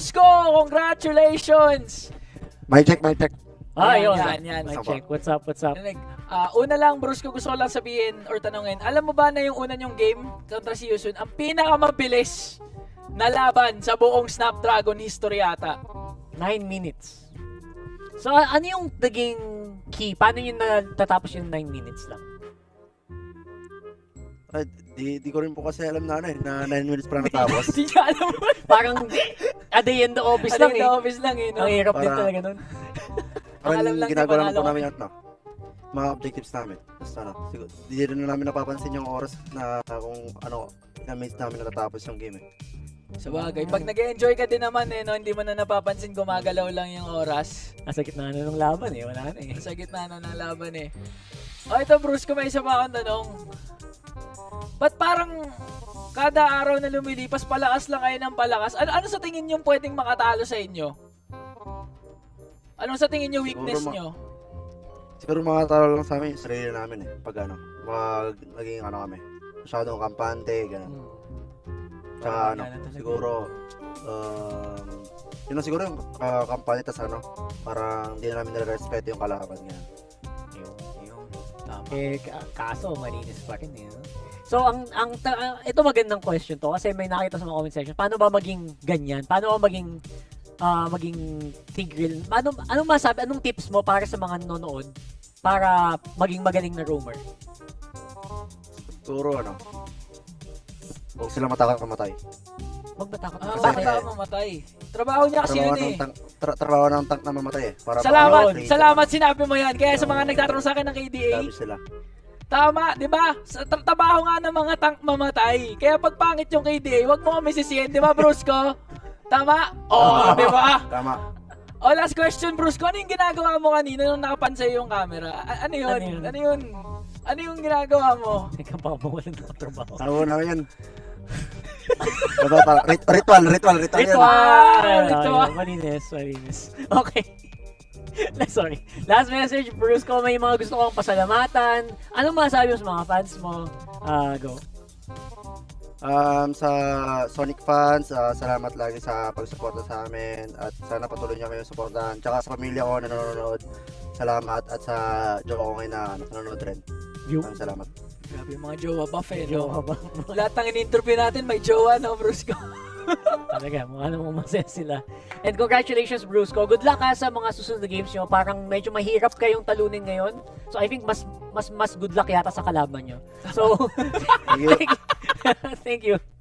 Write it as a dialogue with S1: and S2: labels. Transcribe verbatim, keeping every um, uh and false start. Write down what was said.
S1: Brusco! Congratulations!
S2: Mic check, mic check.
S3: Ah,
S1: Yan,
S3: yun.
S1: yan, yan.
S3: Mic check. What's up, what's up?
S1: Narinig. Ah, una lang, Brusco, gusto ko lang sabihin or tanungin, alam mo ba na yung una nyong game kontra si Yusun, ang pinakamabilis na laban sa buong Snapdragon history yata?
S3: Nine minutes. So, a- ano yung naging key? Paano yung natatapos yung nine minutes lang?
S2: Ay, di, di ko rin po kasi alam na ano eh, na nine minutes pa lang natapos.
S1: Hindi niya alam mo.
S3: Parang at the end of office
S1: Ano
S3: lang
S1: yung
S3: eh.
S1: office lang eh, no?
S3: Ang hirap din
S2: Para-
S3: talaga nun.
S2: Parang
S1: alam lang niya,
S2: ginagawa lang
S1: panalo
S2: po namin
S1: kami.
S2: yung ano, mga objectives namin. Basta ano, siguro, di rin namin napapansin yung oras na kung ano, ilang minutes namin natatapos yung game eh.
S1: Sa bagay, pag nag-enjoy ka din naman eh, no? Hindi mo na napapansin gumagalaw lang yung oras.
S3: Nasa gitna na ng laban eh. Wala na eh.
S1: Sa gitna na ng laban eh. O ito Bruce, kung may isa pa akong tanong. Ba't parang kada araw na lumilipas, palakas lang kayo ng palakas? Ano, ano sa tingin nyo pwedeng makatalo sa inyo? Anong sa tingin nyo weakness
S2: Siguro ma-
S1: nyo?
S2: Siguro mga talo lang sa amin, yung sarili namin eh. Pag ano, pag naging ano kami, masyadong kampante, gano'n.
S3: Hmm.
S2: Tsaka
S1: Parang
S2: ano,
S1: ganun talaga.
S2: siguro, um, yun lang siguro yung uh, kampante, tas ano, parang hindi na namin nare-respeto yung kalaban, gano'n.
S1: Yung, yung, tama.
S3: Eh, ka- kaso, malinis pa rin eh. no? So, ang, ang, ta- ah, ito magandang question to kasi may nakita sa mga comment section. Paano ba maging ganyan? Paano ba maging, ah, maging tigil? Ano, anong masabi? Anong tips mo para sa mga nanonood para maging magaling na roamer?
S2: Siguro ano, huwag sila matakot mamatay.
S3: Huwag matakot.
S1: Ah,
S3: Bakit?
S1: bakit ako mamatay? Trabaho niya kasi
S2: Trabaho
S1: yun
S2: ng
S1: eh.
S2: tank, tra- trabaho ng tank na mamatay eh. Para
S1: Salamat,
S2: para-
S1: salamat sinabi mo yan. Kaya sa mga nagtatanong sa akin ng K D A,
S2: Sabi sila.
S1: tama, di ba? Sa tra- trabaho nga ng mga tank mamatay. Kaya pag pangit yung K D A, wag mo kami sisihin, di ba, Brusco? Tama? Oo, di ba?
S2: Tama.
S1: O, last question, Brusco. Ano yung ginagawa mo kanina nung nakapan sa'yo yung camera? A- ano yun?
S3: Ano yun?
S1: Ano yun? Ano yung ginagawa mo?
S3: Teka pa, mawalan ng trabaho.
S2: Tawo na yan. Ito, ta- rit- ritual, ritual, ritual yan.
S1: Ritual! Ritual!
S3: Ayun, malinis, malinis. Okay. Sorry. Last message, Bruce, kung may mga gusto kong pasalamatan, anong masabi mo sa mga fans mo? Ah, go.
S2: Um, sa Sonic fans, ah, salamat lagi sa pagsuporta sa amin at sana patuloy niyo kayong suportahan. Tsaka sa pamilya ko na nanonood, salamat at sa jowa ko ngayon na nanonood rin.
S3: You.
S2: Maraming salamat.
S1: Grabe yung mga jowa buff eh,
S3: Jowa
S1: no?
S3: ba?
S1: Lahat ng in-interview natin may jowa, no, Brusco?
S3: Talaga, mukha namang masaya sila. And congratulations, Brusco. Good luck ha sa mga susunod na games nyo. Parang medyo mahirap kayong talunin ngayon. So I think mas mas mas good luck yata sa kalaban nyo. So,
S2: Thank you.
S3: thank you.